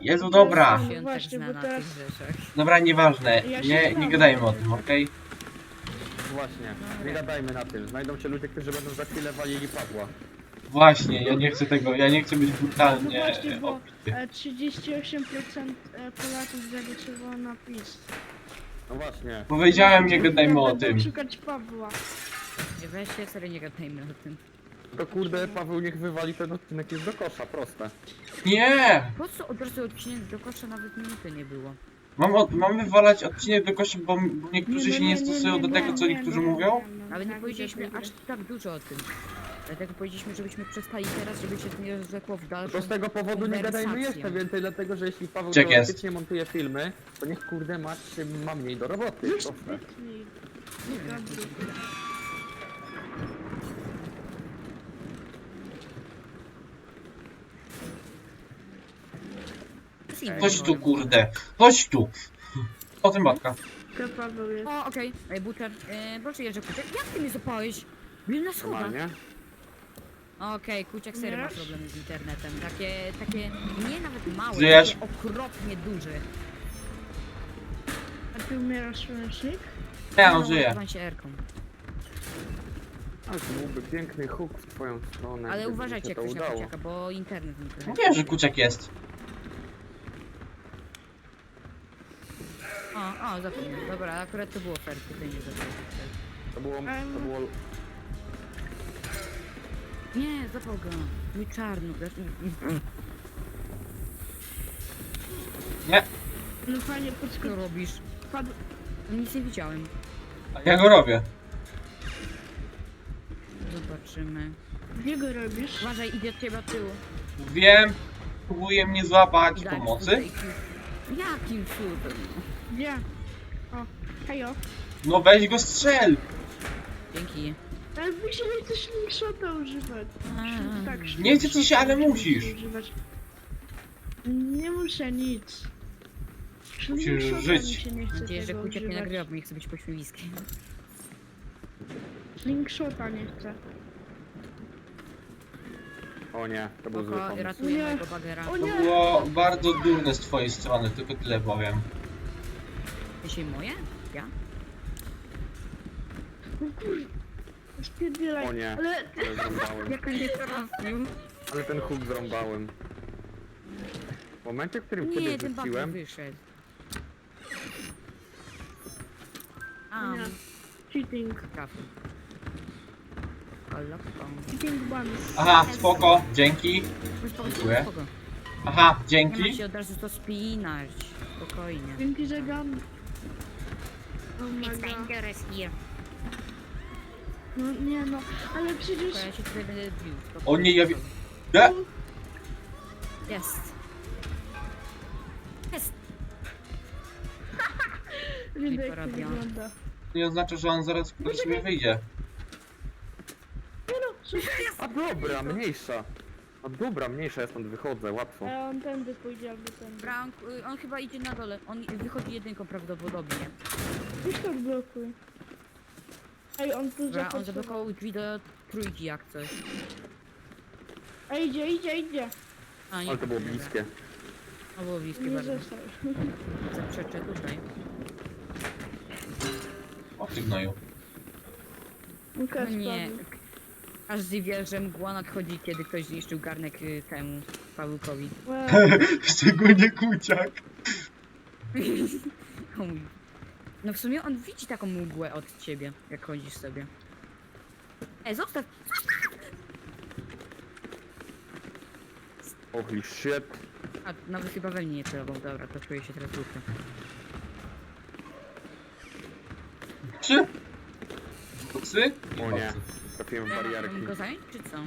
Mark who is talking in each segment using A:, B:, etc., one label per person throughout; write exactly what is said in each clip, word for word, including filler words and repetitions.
A: Jezu, dobra.
B: No
C: Się on
B: właśnie,
C: tak zna
B: bo
C: na
B: teraz-
C: tych rzeczach.
A: Dobra, nieważne.
B: Ja się
A: Nie,
B: znam.
A: nie gadajmy o tym, okej?
D: Właśnie, nie gadajmy na tym. Znajdą się ludzie, którzy będą za chwilę walili Pawła.
A: Właśnie, ja nie chcę tego, ja nie chcę być
B: No
A: brutalnie
B: właśnie, bo
A: obity.
B: e, trzydzieści osiem procent e, Polaków zagłosowało na PiS.
D: No właśnie.
A: Powiedziałem, nie gadajmy o
B: Będą
A: tym.
B: szukać Pawła.
C: Nie weźcie, serio nie gadajmy o tym.
D: To kurde, Paweł niech wywali ten odcinek jest do kosza, proste.
A: Nie!
C: Po co od razu odcinek do kosza nawet minuty nie było?
A: Mam, od, mam wywalać odcinek do kości, bo, bo niektórzy
B: no
A: się nie stosują do tego, co
B: nie,
A: niektórzy
B: nie,
A: mówią?
B: nie, no,
C: Nawet nie
B: tak,
C: powiedzieliśmy
B: widzę,
C: aż tak dużo o tym. Dlatego powiedzieliśmy, żebyśmy przestali teraz, żeby się nie rozrzekło w dalszym...
D: To z tego powodu nie gadajmy
C: konwersacją.
D: jeszcze więcej, dlatego że jeśli Paweł
A: Check jest.
D: teoretycznie montuje filmy, to niech kurde Mać ma mniej do roboty, proste.
B: Wytnij. Dobry.
A: Chodź tu, kurde. Chodź tu. O tym matka.
B: To Paweł jest.
C: O, okej. Okay. Butcher, yy, proszę Jerzy Kuciak, jak ty mnie zapałeś? Byłem na schodach.
D: Normalnie.
C: Okej, Kuciak serio ma
B: Wiesz?
C: problemy z internetem. Takie, takie, nie nawet małe,
A: Żyjesz?
C: takie okropnie duże.
B: A ty umierasz słonecznik?
A: Ja on żyje.
C: Nazywam się Erką.
D: Ale to byłby piękny huk w twoją stronę.
C: Ale
D: gdyby
C: uważajcie
D: się
C: jak
D: to
C: ktoś na
D: udało.
C: Kuciaka, bo internet mi trochę...
A: Mówię, że kuciak jest.
C: O, o, zapomniałem. Dobra, akurat to było fair, tutaj nie zapomniałem.
D: To było, to było...
C: Nie, zapał go. Mój czarnuk. dasz mi-
A: Nie,
B: No fajnie,
C: Co
B: podskocz.
C: robisz?
B: Padł.
C: Nic nie widziałem.
A: a ja go robię.
C: Zobaczymy.
B: Gdzie go robisz?
C: Uważaj, idzie od ciebie od tyłu.
A: Wiem, próbuje mnie złapać
C: Daj
A: pomocy.
C: tutaj kill. Jakim cudem?
B: Gdzie? O, hejo.
A: No weź go strzel.
C: Dzięki.
B: Ale mi się nie chce slingshota używać.
C: A.
B: Tak,
A: Nie chce ci się, ale
B: slingshota
A: musisz.
B: używać. Nie muszę nic.
A: Musisz
B: Slingshota
A: żyć.
B: Mi się nie
C: Mam
B: chce
C: nadzieję, że
B: tego
C: Kuciak nie
B: używać.
C: nagrywa, bo nie chce być pośmiewiskiem.
B: Slingshota nie chcę.
D: O nie, to był zły
C: Oko,
D: pomysł.
C: ratuję
B: Nie.
C: mojego bagera.
B: O
A: To
B: nie!
A: było bardzo durne z twojej strony, tylko tyle powiem.
C: Dzisiaj moje? Ja?
B: O kur... Spierdzielaj.
D: O nie,
B: Ale...
D: ale zrąbałem.
C: Jak on nie trafił?
D: Ale ten huk zrąbałem. W momencie, w którym
C: Nie,
D: ciebie
C: ten bager
D: rzuciłem,
C: wyszedł. A,
B: Nie. Cheating.
C: trafił. Kolokon.
B: Cheating ban.
A: Aha, spoko, dzięki.
C: Spoko,
A: Dziękuję.
C: spoko.
A: Aha,
C: Nie ma
A: dzięki.
C: się od razu to spinać. Spokojnie.
B: Dzięki za gun. Oh my
C: It's
B: god.
C: dangerous here.
B: No nie no, ale przecież...
C: Tylko ja się tutaj będę bił.
A: O nie, ja wi- E?
C: Jest. Jest.
B: Widzę jak to
C: porobione.
B: wygląda.
A: Nie oznacza, że on zaraz do siebie wyjdzie.
B: Nie no, słuchaj.
D: a dobra, mniejsza. A dobra, mniejsza, ja stąd wychodzę, łatwo.
B: A on tędy pójdzie albo tędy.
C: Frank, y, on chyba idzie na dole. On wychodzi jedynką prawdopodobnie.
B: Weź to odblokuj. Ej, on tu
C: Dobra, on
B: zapasował.
C: zablokował drzwi do trójki jak coś.
B: Ej, idzie, idzie, idzie.
C: A, nie
D: Ale to było
C: dobra.
D: bliskie.
C: To było bliskie
B: Nie
C: bardzo.
B: został.
C: Zaprzeczę tutaj.
A: O ty gnoju.
B: Łukasz
C: No nie.
B: padł.
C: Aż dziwię, że mgła nadchodzi, kiedy ktoś zniszczył garnek y, temu Pawełkowi.
B: Łe,
A: Szczególnie kuciak.
C: O mój. No w sumie on widzi taką mgłę od ciebie, jak chodzisz sobie. E, zostaw!
D: Holy shit.
C: A, nawet chyba we mnie nie celował. Dobra, to czuję się teraz głupio.
A: Czy? Boksy?
D: O nie, trafiłem w barierki.
C: Mam go zająć, czy co?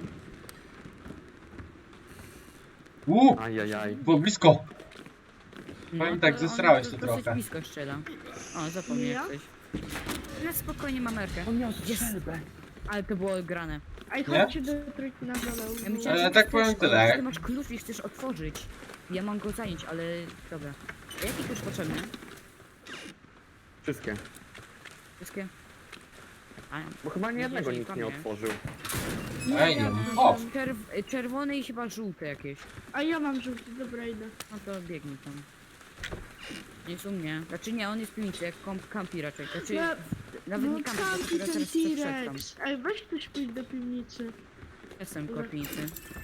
A: Uuu,
D: Ajajaj.
A: było blisko. Powiem tak,
C: to
A: zesrałeś
C: on
A: to
C: dosyć
A: trochę.
C: blisko strzela. O, zapomniałem
B: Ja?
C: coś. No spokojnie, mam merkę.
D: On miał
C: Jest.
D: strzelbę.
C: Ale to było grane.
B: Ej,
A: Nie?
B: chodźcie do trójki na dole.
C: Ja myślałem,
A: Ale
C: że
A: tak
C: ty
A: powiem
C: chcesz-
A: tyle.
C: o, Ty masz klucz i chcesz otworzyć. Ja mam go zająć, ale dobra. A jaki klucz potrzebny?
D: Wszystkie.
C: Wszystkie? A,
D: Bo chyba nie jednego
C: Jeżeli
D: nikt nie
C: kłamie.
D: otworzył.
A: Ej, nie
B: ja
A: mów.
B: mam.
A: O!
C: Czerw czerwone i chyba żółte jakieś.
B: A ja mam żółty, dobra idę.
C: No to biegnij tam. Nie jest u mnie. Znaczy nie, on jest w piwnicy, jak kamp kampi raczej. Znaczy,
B: Ja-
C: nawet
B: No
C: nie kampi,
B: kampi
C: tylko
B: ten
C: teraz wszedł tam.
B: T-Rex. Ej, weź ktoś pójść do piwnicy.
C: Jestem w piwnicy.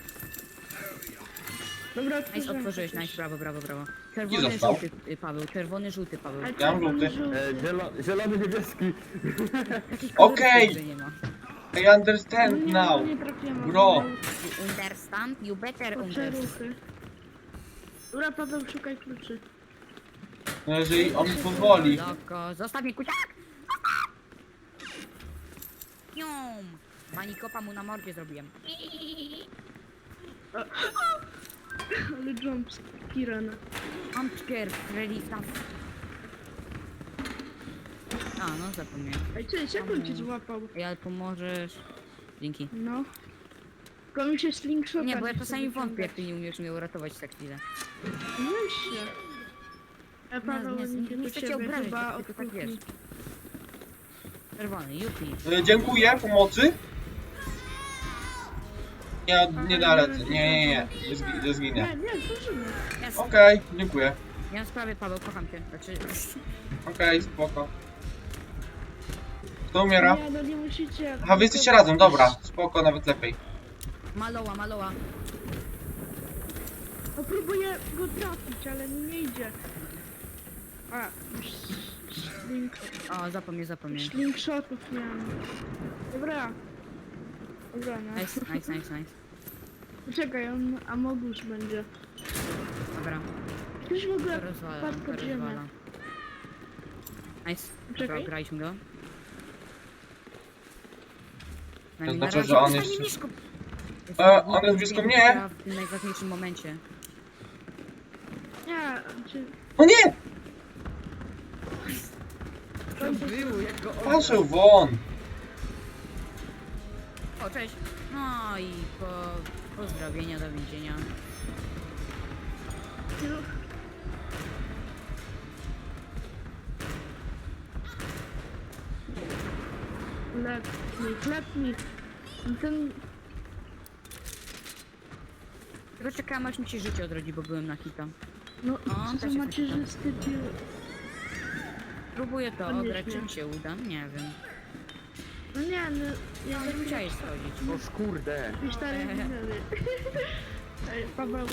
B: Dobra,
C: Nice,
B: otworzyłem
C: otworzyłeś,
B: coś.
C: nice, brawo, brawo, brawo.
A: I
C: Czerwony,
A: został.
C: żółty, y, Paweł, czerwony, żółty, Paweł.
B: A
A: Ja mam
B: czerwony,
A: żółty.
D: E, zielo, zielony, niebieski.
C: Takich
A: Okej.
C: kolorów, że nie ma.
A: I understand
B: No nie,
A: now.
B: no nie trafiłem.
A: Bro.
C: You understand? You better
B: Poczę
C: understand.
B: ruchy. Dobra, Paweł, szukaj kluczy.
A: No jeżeli on mi pozwoli.
C: Loko, zostaw mnie, kuciak! Pium! Manikopa mu na mordzie zrobiłem.
B: Ale jump Kirana.
C: Jumpscare, Freddy, tam. A, no zapomniałem.
B: Ej, cześć, jak on cię złapał?
C: Ej, ale pomożesz. Dzięki.
B: No. Tylko mi się slingshota
C: Nie, bo ja
B: chce
C: czasami wątpię, jak
B: wyciągać.
C: ty nie umiesz mnie uratować za chwilę.
B: Weź się. E, Paweł,
C: nie,
B: nie,
C: nie, nie chcę cię obrazić,
B: chyba
C: tylko
B: od
C: tak
B: kuchni.
C: wiesz. Czerwony, Yupi.
A: E, Dziękuję, pomocy. Nie, nie da rady. Nie, nie, nie. Nie, zgi nie zginę.
B: Nie, nie, zdążymy.
C: Jest.
A: Okej, dziękuję.
C: Nie mam sprawy, Paweł, kocham cię. Znaczy,
A: Okej, spoko. Kto umiera?
B: Nie, no nie musicie.
A: Aha, wy jesteście razem, dobra. Spoko, nawet lepiej.
C: maloła, maloła.
B: No próbuję go trafić, ale mi nie idzie. A, już slink,
C: O, zapomnij, zapomnij.
B: slingshotów miałem. Dobra. Dobra, no.
C: Nice, nice, nice, nice.
B: Poczekaj, on Amogus będzie.
C: Dobra,
B: Ktoś w ogóle
C: to rozwala,
B: wpadł
C: to
B: pod ziemię.
C: rozwala. Nice, dobra,
B: Czekaj.
C: graliśmy go.
A: To
C: Na
A: znaczy,
C: razie
A: że on
C: zostanie
A: jest-
C: blisko.
A: E, on jest blisko mnie.
C: W tym najważniejszym momencie.
B: Nie, czy...
A: O nie!
C: To było, jak go
A: Patrzył won.
C: O, cześć. No i po pozdrowienia do więzienia.
B: Chleb mi, chleb mi. Ten...
C: Tylko czekałam, aż mi się życie odrodzi, bo byłem na hita.
B: No,
C: O,
B: co
C: też
B: za
C: jest
B: macierzysty pił.
C: Próbuję to
B: To nie
C: ograć, czy
B: śmiesz.
C: mi się uda? Nie wiem.
B: No nie, no... Ja
C: Nie musiałeś schodzić.
D: No kurde.
B: Jakieś stare winery. Ej, Paweł.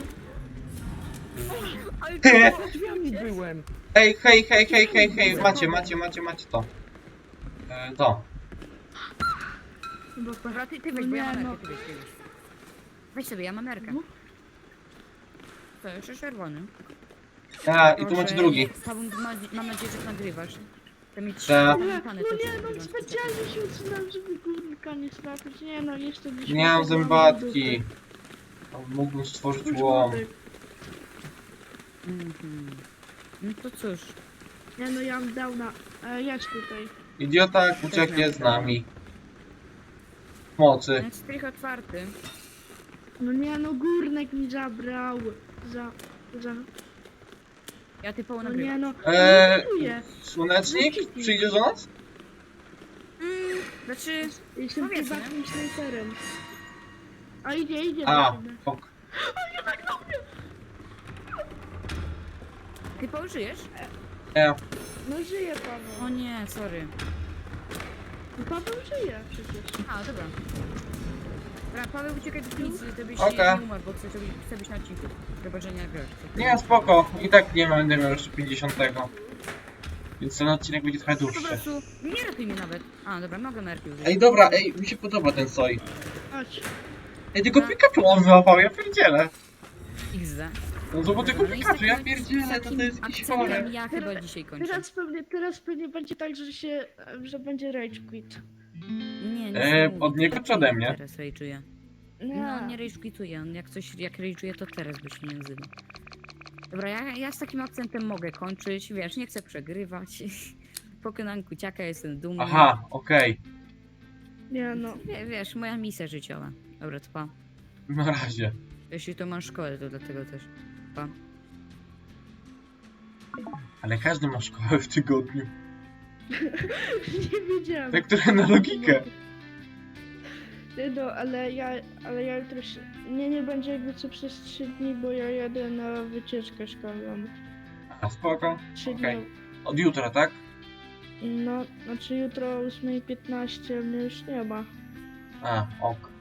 C: Ale
D: Drzwiami byłem.
A: Hej, hej, hej, hej, hej, hej. Macie, macie, macie, macie to. E, to.
B: Chyba
C: Dobra, ty, ty
B: No
C: weź, bo ja
B: nie,
C: mam
B: no.
C: nerkę, ty weź, ty weź. Weź sobie, ja mam nerkę.
B: No.
C: To jeszcze czerwony.
A: A, i tu macie
C: Proszę,
A: drugi.
C: Paweł, ma, mam nadzieję, że nagrywasz. To mi trzy
A: Tak.
B: Nie,
C: zapamiętane
B: no
C: to
B: nie,
C: ci
B: no
C: wygląda.
B: specjalnie się usunąłem, żeby górnika nie trafić. Nie no, jeszcze gdzieś...
A: Nie mam
B: mam
A: zębatki. Mógłbym stworzyć
B: dupy.
A: łom.
C: Mhm. No to cóż,
B: Nie no, ja mam downa. E, jedź tutaj.
A: Idiota ucieknie z nami. Mocy.
C: ten strych otwarty.
B: No nie no, górnek mi zabrał. Za... za...
C: Ja typowo
B: No
C: nagrywam.
B: nie no,
A: Eee,
B: nie kupuję.
A: Słonecznik? Przyjdziesz do nas?
C: Mm, znaczy,
B: Jestem
C: powiedzmy.
B: prywatnym snajperem. A idzie, idzie.
A: A,
B: do ciebie.
A: ok.
C: ty żyjesz?
A: Nie.
B: No żyje Paweł.
C: O nie, sorry.
B: No Paweł żyje przecież.
C: A, dobra. Dobra, Paweł, uciekaj do piwnicy, żebyś
A: Okej.
C: nie umarł, bo chcę, żeby, chcę być na odcinku. Chyba, że nie grasz.
A: Nie, spoko. I tak nie będę miał jeszcze pięćdziesiątego. Więc ten odcinek będzie trochę
C: Po
A: dłuższy.
C: prostu, nie ratuj mnie nawet. A, dobra, mogę merki użyć.
A: Ej, dobra, ej, mi się podoba ten soj.
B: Chodź.
A: Ej, tylko Pikachu on wyłapał, ja pierdzielę.
C: X D.
A: No to bo tylko
C: No i z
A: Pikachu, ja
C: takim-
A: pierdzielę,
C: z
A: to
C: takim
A: to jest jakiś
C: akcentem
A: chore.
C: ja chyba dzisiaj kończę.
B: Teraz pewnie, teraz pewnie będzie tak, że się, że będzie rage quit.
C: Nie, nie.
A: E,
C: nie,
A: od niego czy ode mnie?
C: Teraz rage'uje.
B: Nie.
C: No, on nie rage quituje, on jak coś, jak rage'uje, to teraz by się nie nazywa. Dobra, ja, ja z takim akcentem mogę kończyć, wiesz, nie chcę przegrywać. Pokonam kuciaka, jestem dumny.
A: Aha, okej.
B: Nie no.
C: Wie, wiesz, moja misja życiowa. Dobra, to pa.
A: Na razie.
C: Jeśli to masz szkołę, to dlatego też. Pa.
A: Ale każdy ma szkołę w tygodniu.
B: Nie wiedziałem.
A: Te, które na logikę.
B: Ty no, ale ja, ale ja jutro się... Nie, nie będzie jakby co przez trzy dni, bo ja jadę na wycieczkę szkolną.
A: A, spoko.
B: Trzy
A: Okej.
B: dni.
A: Od jutra, tak?
B: No, znaczy jutro o ósma piętnaście mnie już nie ma.
A: A, ok.